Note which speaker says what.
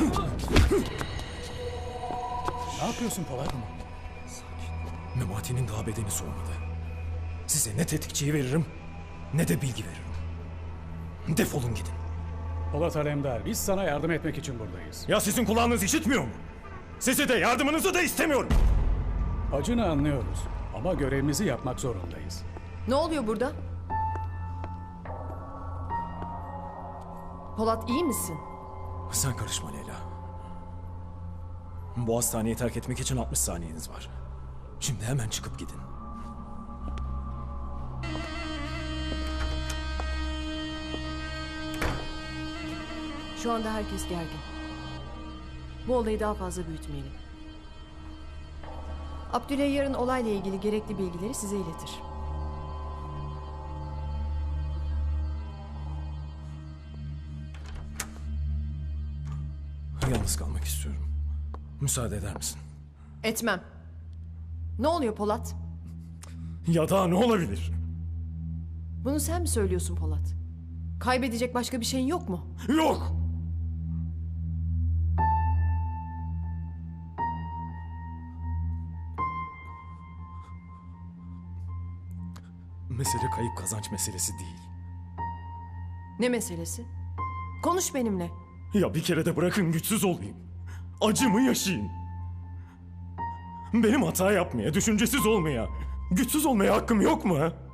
Speaker 1: Ne yapıyorsun Polat?
Speaker 2: Memati'nin daha bedeni soğumadı. Size ne tetikçiyi veririm, ne de bilgi veririm. Defolun gidin.
Speaker 1: Polat Alemdar, biz sana yardım etmek için buradayız.
Speaker 2: Ya sizin kulağınız işitmiyor mu? Sizi de yardımınızı da istemiyorum.
Speaker 1: Acını anlıyoruz ama görevimizi yapmak zorundayız.
Speaker 3: Ne oluyor burada? Polat iyi misin?
Speaker 2: Sen karışma Leyla. Bu hastaneyi terk etmek için 60 saniyeniz var. Şimdi hemen çıkıp gidin.
Speaker 3: Şu anda herkes gergin. Bu olayı daha fazla büyütmeyelim. Abdüley yarın olayla ilgili gerekli bilgileri size iletir.
Speaker 2: Yalnız kalmak istiyorum. Müsaade eder misin?
Speaker 3: Etmem. Ne oluyor Polat?
Speaker 2: Ya daha ne olabilir?
Speaker 3: Bunu sen mi söylüyorsun Polat? Kaybedecek başka bir şeyin yok mu?
Speaker 2: Yok! Mesele kayıp kazanç meselesi değil.
Speaker 3: Ne meselesi? Konuş benimle.
Speaker 2: Ya bir kere de bırakın güçsüz olayım. Acımı yaşayayım. Benim hata yapmaya, düşüncesiz olmaya, güçsüz olmaya hakkım yok mu ha?